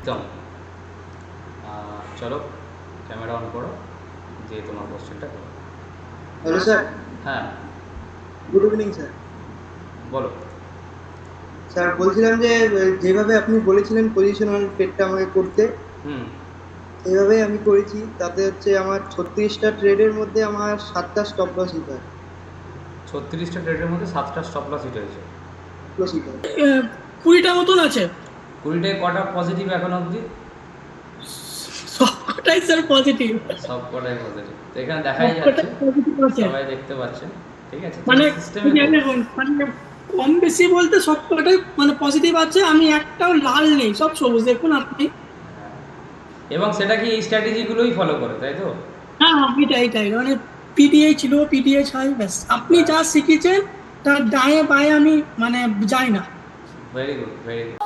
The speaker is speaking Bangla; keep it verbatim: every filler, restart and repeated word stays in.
একদম। চলো ক্যামেরা অন করো, দিয়ে তোমার কোশ্চেনটা করো। Hello sir. হ্যাঁ গুড ইভিনিং স্যার। বলো। স্যার বলছিলাম যে যেভাবে আপনি বলেছিলেন পজিশনাল ট্রেডটা আমাকে করতে, হুম। সেইভাবেই আমি করেছি। তাতে হচ্ছে আমার ছত্রিশটা ট্রেডের মধ্যে আমার সাতটা স্টপ লস হিট হয়। ছত্রিশটা ট্রেডের মধ্যে সাতটা স্টপ লস হিট হয়েছে। লস হিট হয়। আহ, কুড়িটা মতন আছে। কুড়িটায় কটা পজিটিভ এখন অবধি? সবকটাই স্যার পজিটিভ। সব কটাই পজিটিভ, তো এখানে দেখাই যাচ্ছে, সবকটাই পজিটিভ আছে। সবাই দেখতে পাচ্ছেন। ঠিক আছে, তুমি মানে সিস্টেমে এই যে দেখুন, মানে কম বেশি বলতে সবকটাই মানে পজিটিভ আছে। আমি একটাও লাল নেই, সব সবুজ দেখুন আপনি। এবং সেটা কি এই স্ট্র্যাটেজিগুলোই ফলো করে, তাই তো? হ্যাঁ হ্যাঁ, এইটাই এইটাই মানে পিডিএ ছিল, পিডিএ ছাই, ব্যাস আপনি যা শিখেছেন তার ডায়ে বায়ে আমি মানে যাই না। Very good, very good.